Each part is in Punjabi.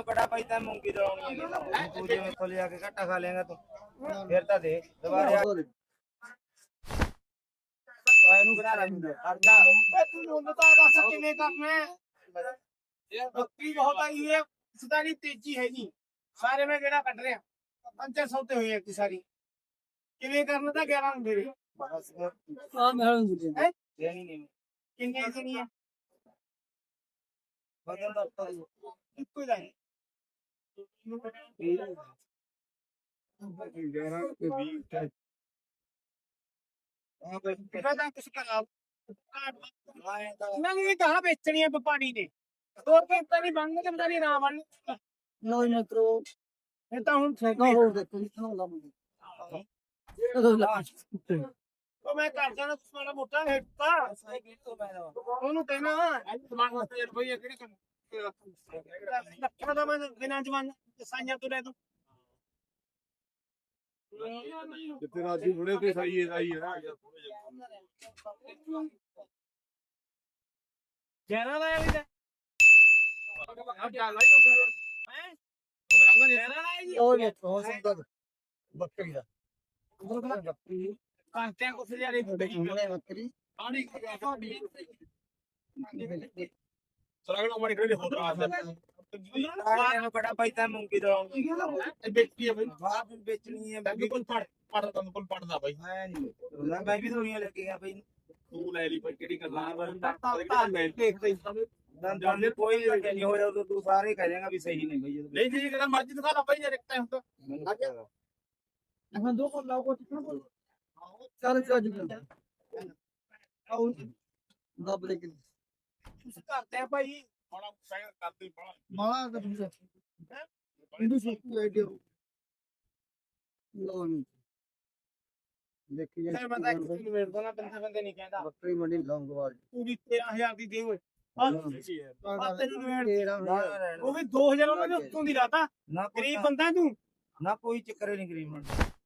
ਬੜਾ ਪੈਸਾ ਮੂੰਗੀ ਦਲਾਉਣੀ ਹੈ ਤੂੰ ਜੇ ਮੈਥੋਂ ਲਿਆ ਕੇ ਘੱਟਾ ਖਾ ਲੇਗਾ ਤੂੰ ਫਿਰ ਤਾਂ ਦੇ ਦੁਬਾਰੇ ਇਹਨੂੰ ਬਣਾ ਲੈ ਅਰਦਾ ਤੂੰ ਮੁੱਲ ਤਾਂ ਦੱਸ ਕਿਵੇਂ ਕਰਨਾ ਇਹ ਬੱਕਰੀ ਬਹੁਤ ਆਈ ਹੈ ਸਦਾ ਦੀ ਤੇਜ਼ੀ ਹੈ ਨਹੀਂ ਸਾਰੇ ਮੈਂ ਕਿਹੜਾ ਕੱਢ ਰਿਹਾ 500 ਤੇ ਹੋਏ ਇੱਕ ਸਾਰੀ ਕਿਵੇਂ ਕਰਨਾ ਤਾਂ 11 ਹੁੰਦੇ ਨੇ ਬਸ ਹਾਂ ਮੈਂ ਹੈ ਦੇਣੀ ਨਹੀਂ ਕਿੰਨੇ ਦੇਣੀ ਹੈ ਬਦਲ ਦਾ ਤਾਂ ਇੱਕੋ ਹੀ ਦਾ ਹੈ ਪਤਾ ਕੁਛ ਕਰਾ ਮੈਂ ਇਹ ਕਹਾ ਵੇਚਣੀ ਹੈ ਵਪਾਰੀ ਨੇ ਦੋ ਤਾਂ ਨਹੀਂ ਬਣਨ ਤੇ ਬਤਾਨੀ ਨਾ ਬਣਨ ਨਹੀਂ ਮਿੱਤਰੋ ਇਹ ਤਾਂ ਹੁਣ ਠੇਕਾ ਹੋਰ ਦੇਖੋ ਕਿੰਨਾ ਲਾਉਂਦੇ ਉਹ ਮੈਂ ਘਰ ਜਾਣਾ ਮਾੜਾ ਮੋਟਾ ਹੇਟਾ ਉਹਨੂੰ ਕਹਿਣਾ ਦਿਮਾਗ ਵਾਸਤੇ ਰੁਪਈਆ ਕਿਹੜੇ ਕੰਮ ਲੱਖਾਂ ਦਾ ਮੈਂ ਬਿਨਾਂ ਜਵਾਨ ਸਾਈਆਂ ਤੋਂ ਲੈ ਦੂੰ ਜਿੱਥੇ ਰਾਜੀ ਥੋੜੇ ਤੇ ਸਹੀ ਹੈ ਜੈਨਾ ਦਾ ਵੀ ਆ ਜਾ ਲਾਈ ਹੈ ਜੈਨਾ ਦਾ ਜੀ ਉਹ ਵੇਖੋ ਸੁੰਦਰ ਬੱਕਰੀ ਦਾ ਕਾਂਟਿਆਂ ਕੋ ਫਿਰਿਆਰੇ ਫੋਟੇ ਉਹਨੇ ਬੱਕਰੀ ਪਾਣੀ ਸਰਾਗਣਾ ਮਾਰੀ ਕਰੇ ਹੋ ਰਹਾ ਇਹਨੂੰ ਬੜਾ ਪੈਸਾ ਮੂੰਗੀ ਦਲਾਉਣੀ ਹੈ ਵੇਚੀ ਹੈ ਬਈ ਬਾਹਰ ਵੇਚਣੀ ਹੈ ਬਾਕੀ ਕੋਲ ਪੜਦਾ ਤੁਹਾਨੂੰ ਕੋਲ ਪੜਦਾ ਬਾਈ ਮੈਂ ਨਹੀਂ ਮੈਂ ਵੀ ਦੁਨੀਆ ਲੱਗੀਆਂ ਬਈ ਤੂੰ ਲੈ ਲਈ ਭਾਈ ਕਿਹੜੀ ਗੱਲਾਂ ਤਾਂ ਦੇਖਦੇ ਦੰਦਾਂ ਕੋਈ ਨਹੀਂ ਹੋਇਆ ਤਾਂ ਤੂੰ ਸਾਰੇ ਕਹਿ ਦੇਗਾ ਵੀ ਸਹੀ ਨਹੀਂ ਬਈ ਨਹੀਂ ਜੀ ਕਿਹੜਾ ਮਰਜ਼ੀ ਦਿਖਾ ਲਾ ਭਾਈ ਯਾਰ ਇੱਕ ਟਾਈਮ ਤਾਂ ਹਾਂ ਦੋ ਕੋਲ ਲਾਓ ਕੋ ਚੱਲ ਚੱਲ ਆਉ ਦੱਬ ਲੈ ਕੇ ਤੁਸੀਂ ਕਰਦੇ ਆ ਭਾਈ ਹੁਣ ਪੈਰ ਕਰਦੇ ਬੜਾ ਮਾਲਾ ਦਾ ਤੁਸੀਂ ਇਹਨੂੰ ਸੁੱਕ ਲੈ ਦਿਓ ਲੋ ਨਹੀਂ ਦੇਖੀ ਜਾ ਤੇ ਬੰਦਾ ਇੱਕ ਮਿੰਟ ਤੋਂ ਨਾ ਬੰਦੇ ਨਹੀਂ ਕਹਿੰਦਾ ਬੱਕਰੀ ਮੰਡੀ ਲੌਂਗਵਾਲ ਪੂਰੀ 13000 ਦੀ ਦੇ ਓਏ ਤੇਰਾ ਉਹ ਵੀ 2000 ਉਹਨਾਂ ਦੇ ਉੱਤੋਂ ਦੀ ਰਾਤਾ ਨਾ ਗਰੀਬ ਬੰਦਾ ਤੂੰ ਨਾ ਕੋਈ ਚੱਕਰ ਨਹੀਂ ਗਰੀਬ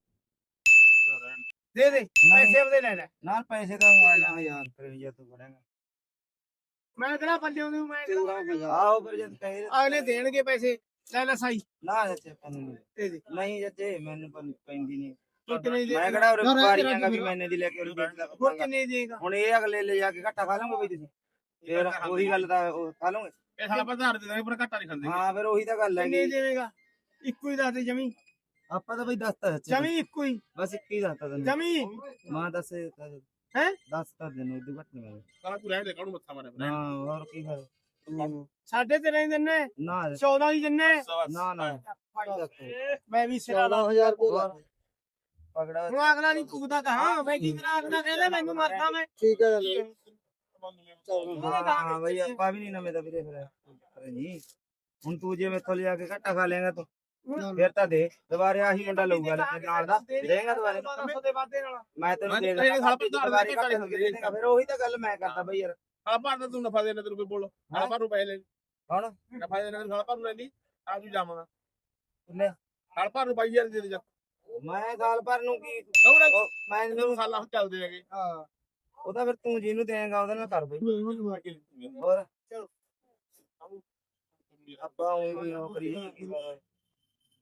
ਦੇ ਦੇ ਪੈਸੇ ਉਹਦੇ ਲੈ ਲੈ ਨਾਲ ਪੈਸੇ ਤਾਂ ਆ ਯਾਰ ਫਿਰ ਜੇ ਤੂੰ ਬੜੇਗਾ ਮੈਂ ਕਿਹੜਾ ਬੰਦੇ ਨੂੰ ਮੈਂ ਆਓ ਫਿਰ ਜਦ ਕਹੇ ਅਗਲੇ ਦੇਣਗੇ ਪੈਸੇ ਲੈ ਲੈ ਸਾਈ ਨਾ ਜੱਚੇ ਪੈਂਦੀ ਦੇ ਦੇ ਨਹੀਂ ਜੱਚੇ ਮੈਨੂੰ ਪੈਂਦੀ ਨਹੀਂ ਤੂੰ ਕਿੰਨੇ ਦੇ ਮੈਂ ਕਿਹੜਾ ਵਪਾਰੀਆਂਗਾ ਵੀ ਮੈਨੇ ਦੀ ਲੈ ਕੇ ਉਹਨੂੰ ਵੇਚਦਾ ਹੋਰ ਕਿੰਨੇ ਦੇਗਾ ਹੁਣ ਇਹ ਅਗਲੇ ਲੈ ਜਾ ਕੇ ਘੱਟਾ ਖਾ ਲਓਗੇ ਬਈ ਤੁਸੀਂ ਫਿਰ ਉਹੀ ਗੱਲ ਦਾ ਖਾ ਲਓਗੇ ਇਹ ਸਾਲਾ ਬਾਜ਼ਾਰ ਦੇ ਦਾਂਗੇ ਪਰ ਘਾਟਾ ਨਹੀਂ ਖਾਂਦੇ ਹਾਂ ਫਿਰ ਉਹੀ ਤਾਂ ਗੱਲ ਹੈ ਕਿੰਨੇ ਦੇਵੇਗਾ ਇੱਕੋ ਹੀ ਦੱਸ ਦੇ ਜਮੀ ਆਪਾਂ ਤਾਂ ਬਈ ਦੱਸਤਾ ਜਮੀ ਇੱਕੋ ਹੀ ਬਸ ਇੱਕ ਹੀ ਦੱਸਤਾ ਤੈਨੂੰ ਜਮੀ ਮਾਂ ਦੱਸ ਹੈ ਦੱਸਤਾ ਤੈਨੂੰ ਇਦੋਂ ਘੱਟ ਨਹੀਂ ਮੈਂ ਸਾਲਾ ਤੂੰ ਰਹਿ ਲੈ ਕਾਹਨੂੰ ਮੱਥਾ ਮਾਰਿਆ ਹਾਂ ਹੋਰ ਕੀ ਕਰ ਸਾਡੇ ਤੇ ਨਹੀਂ ਦਿੰਨੇ ਨਾ 14 ਦੀ ਦਿੰਨੇ ਨਾ ਨਾ ਮੈਂ ਵੀ ਸਿਰਾ ਲਾ 14000 ਰੁਪਏ ਪਕੜਾ ਹੁਣ ਅਗਲਾ ਨਹੀਂ ਪੁੱਗਦਾ ਕਹਾ ਮੈਂ ਕੀ ਕਰਾਂ ਅਗਲਾ ਕਹਿੰਦਾ ਮੈਨੂੰ ਮਾਰਦਾ ਮੈਂ ਠੀਕ ਹੈ ਹਾਂ ਬਈ ਆਪਾਂ ਵੀ ਨਹੀਂ ਨਵੇਂ ਦਾ ਵੀਰੇ ਫਿਰ ਜੀ ਹੁਣ ਤੂੰ ਜੇ ਮੈਥੋਂ ਲਿਆ ਕੇ ਘੱਟਾ ਖਾ ਲੇਗਾ ਤੂੰ ਫਿਰ ਤਾਂ ਦੇ ਦੁਬਾਰੇ ਆਹੀ ਮੁੰਡਾ ਲਊਗਾ ਨਾਲ ਦਾ ਦੇਗਾ ਦੁਬਾਰੇ ਦੇ ਵਾਦੇ ਨਾਲ ਮੈਂ ਤੈਨੂੰ ਦੇ ਦੁਬਾਰੇ ਘੱਟੇ ਫਿਰ ਉਹੀ ਤਾਂ ਗੱਲ ਮੈਂ ਕਰਦਾ ਬਈ ਯਾਰ ਸਾਲਾ ਭਰ ਦਾ ਤੂੰ ਨਫਾ ਦੇਣਾ ਤੈਨੂੰ ਕੋਈ ਬੋਲ ਸਾਲਾ ਭਰ ਨੂੰ ਪੈਸੇ ਲੈ ਹੁਣ ਨਫਾ ਦੇਣਾ ਸਾਲਾ ਭਰ ਨੂੰ ਲੈ ਲਈ ਆ ਤੂੰ ਜਾਵਾਂਗਾ ਕਿੰਨੇ ਸਾਲ ਭਰ ਨੂੰ ਪਾਈ ਯਾਰ ਦੇ ਦੇ ਜਾ ਮੈਂ ਸਾਲ ਭਰ ਨੂੰ ਕੀ ਮੈਂ ਤੈਨੂੰ ਸਾਲਾ ਹੁਣ ਚੱਲਦੇ ਹੈਗੇ ਹਾਂ ਉਹ ਤਾਂ ਫਿਰ ਤੂੰ ਜਿਹਨੂੰ ਦੇਂਗਾ ਉਹਦੇ ਨਾਲ ਕਰ ਬਈ ਹੋਰ ਆਪਾਂ ਉਹ ਕਰੀ